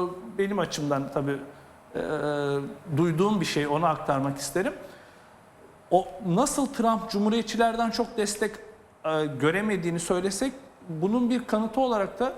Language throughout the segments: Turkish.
benim açımdan tabii duyduğum bir şey, onu aktarmak isterim. O nasıl Trump Cumhuriyetçilerden çok destek göremediğini söylesek, bunun bir kanıtı olarak da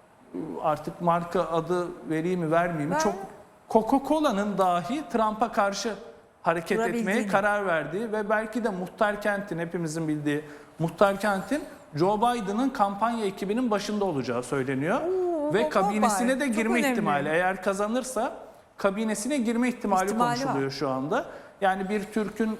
artık marka adı vereyim mi vermeyeyim mi, çok Coca-Cola'nın dahi Trump'a karşı hareket etmeye karar verdiği ve belki de Muhtar Kent'in, hepimizin bildiği Muhtar Kent'in Joe Biden'ın kampanya ekibinin başında olacağı söyleniyor. Ve kabinesine de girme ihtimali, eğer kazanırsa kabinesine girme ihtimali konuşuluyor şu anda. Yani bir Türk'ün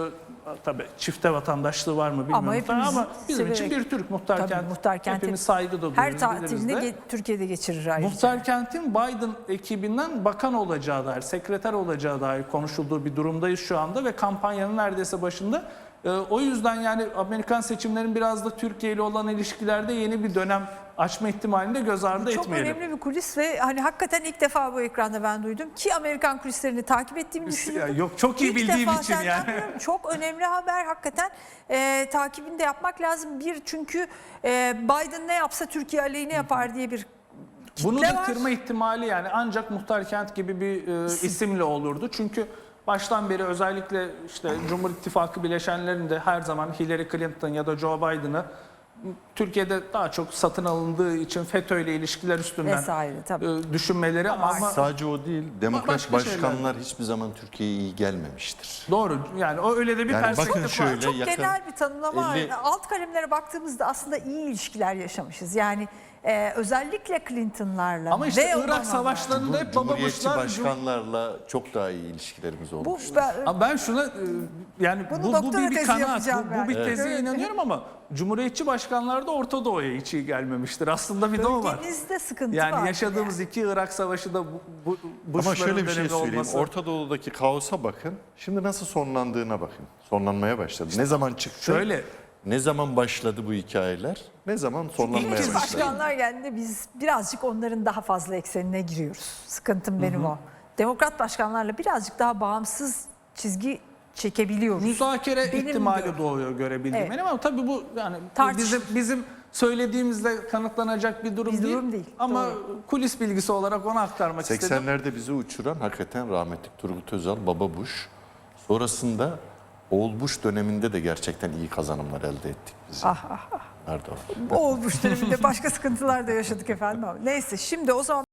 tabii çifte vatandaşlığı var mı bilmiyorum ama bizim için bir Türk Muhtar Kent, hepimiz saygı da duyuyoruz. Her tatilini Türkiye'de geçirir ayrıca. Muhtar Kent'in Biden ekibinden bakan olacağı dair, sekreter olacağı dair konuşulduğu bir durumdayız şu anda ve kampanyanın neredeyse başında. O yüzden yani Amerikan seçimlerinin biraz da Türkiye ile olan ilişkilerde yeni bir dönem açma ihtimalini de göz ardı etmeyelim. Çok önemli bir kulis ve hani hakikaten ilk defa bu ekranda ben duydum ki Amerikan kulislerini takip ettiğimi düşünüyorum. Yok, çok iyi bildiğim için yani. Çok önemli haber hakikaten, takibini de yapmak lazım. Çünkü Biden ne yapsa Türkiye aleyhine yapar diye bir kitle bunu da var. kırma ihtimali yani ancak Muhtar Kent gibi bir isimle olurdu. Çünkü baştan beri özellikle işte Cumhur İttifakı bileşenlerinde her zaman Hillary Clinton ya da Joe Biden'ı Türkiye'de daha çok satın alındığı için FETÖ ile ilişkiler üstünden düşünmeleri ama sadece o değil, demokrat başkanlar hiçbir zaman Türkiye'ye iyi gelmemiştir. Doğru, yani o öyle de bir perspektif var. Şöyle, çok genel bir tanımlama. Alt kalemlere baktığımızda aslında iyi ilişkiler yaşamışız. Yani özellikle Clinton'larla ama işte Irak savaşlarında hep Cumhuriyetçi başkanlarla çok daha iyi ilişkilerimiz olmuştur. Ben şuna yani bu bir kanaat, bu bir teze inanıyorum ama Cumhuriyetçi başkanlar da Orta Doğu'ya hiç iyi gelmemiştir. Aslında bir de o var. Bölgemizde sıkıntı yani var. yaşadığımız iki Irak savaşı da ama şöyle bir şey söyleyeyim. Orta Doğu'daki kaosa bakın. Şimdi nasıl sonlandığına bakın. Sonlanmaya başladı. Ne zaman çıktı? Şöyle. Ne zaman başladı bu hikayeler? Ne zaman sonlanmaya başladı? Başkanlar geldiğinde biz birazcık onların daha fazla eksenine giriyoruz. Sıkıntım benim o. Demokrat başkanlarla birazcık daha bağımsız çizgi çekebiliyoruz. Müzakere ihtimali doğuyor görebildiğim benim ama tabii bu yani bizim söylediğimizle kanıtlanacak bir durum değil. Ama kulis bilgisi olarak onu aktarmak istedim. 80'lerde bizi uçuran hakikaten rahmetli Turgut Özal, Baba Bush. Sonrasında Oğul Bush döneminde de gerçekten iyi kazanımlar elde ettik biz. Oğul Bush döneminde başka sıkıntılar da yaşadık efendim. Neyse şimdi o zaman